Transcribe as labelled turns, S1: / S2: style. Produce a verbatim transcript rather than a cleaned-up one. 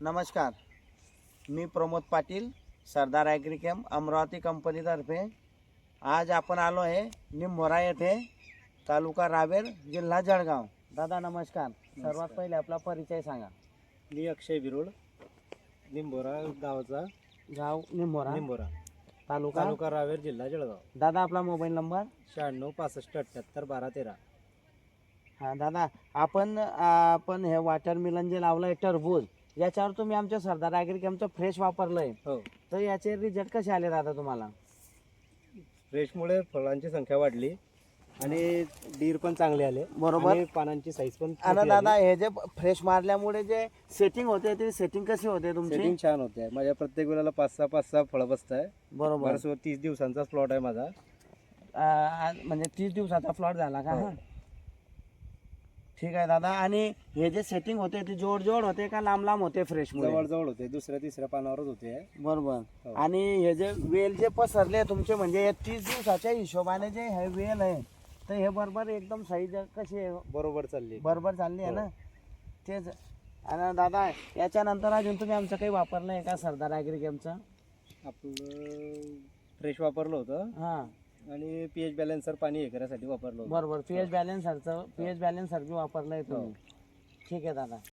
S1: नमस्कार, मी प्रमोद पाटील, सरदार ॲग्रिकॅम्प अमरावती कंपनीतर्फे आज आपण आलो आहे निंभोरा येथे, तालुका रावेर, जिल्हा जळगाव. दादा नमस्कार. सर्वात पहिले आपला परिचय सांगा.
S2: मी अक्षय बिरोड, निंभोरा गावाचा,
S1: गाव निंभोरा,
S2: निंभोरा
S1: तालुका
S2: तालुका रावेर, जिल्हा जळगाव.
S1: दादा आपला मोबाईल नंबर.
S2: शहाण्णव पासष्ट अठ्ठ्याहत्तर बारा तेरा.
S1: हां दादा, आपण आपण हे वॉटरमेलन जे लावलं आहे टरबूज, याच्यावर तुम्ही आमच्या सरदार ॲग्रिकॅम्पचं फ्रेश वापरलं आहे,
S2: हो,
S1: तर याचे रिझल्ट कसे आले दादा तुम्हाला?
S2: फ्रेशमुळे फळांची संख्या वाढली आणि डीर पण चांगले आले,
S1: बरोबर.
S2: आणि पानांची साईज पण
S1: आणि
S2: मोठी
S1: दादा
S2: आली.
S1: हे जे फ्रेश मारल्यामुळे जे सेटिंग होते ते सेटिंग कशी होते तुमची?
S2: सेटिंग छान होते. माझ्या प्रत्येक वेळेला पाच सहा पाच सहा फळं बसत आहे.
S1: बरोबर.
S2: बरं, तीस दिवसांचा प्लॉट आहे माझा.
S1: आ, आज म्हणजे तीस दिवसाचा प्लॉट झाला का?
S2: हो.
S1: हा, ठीक आहे दादा. आणि हे जे सेटिंग होते ते जोड जोड होते का लांब लांब होते फ्रेश
S2: जवळ जवळ होते, दुसऱ्या तिसऱ्या पानावरच होते.
S1: बरोबर.
S2: हो.
S1: आणि हे जे वेल जे पसरले तुमचे, म्हणजे तीस दिवसाच्या हिशोबाने जे हे वेल आहे, तर हे बरोबर एकदम साईज कशी आहे?
S2: बरोबर चालली.
S1: बरोबर चालली आहे
S2: हो.
S1: ना? तेच. आणि दादा याच्यानंतर अजून तुम्ही आमचं काही वापरलं आहे का सरदार ॲग्रिकॅम्पचं?
S2: आपलं फ्रेश वापरलं होतं
S1: हां
S2: आणि पीएच बॅलन्सर पाणी हे करायसाठी वापरलं होतं.
S1: बरोबर. पी एच बॅलन्सरचं पी एच बॅलन्सर बी वापरलं आहे तुम्ही. ठीक आहे दादा.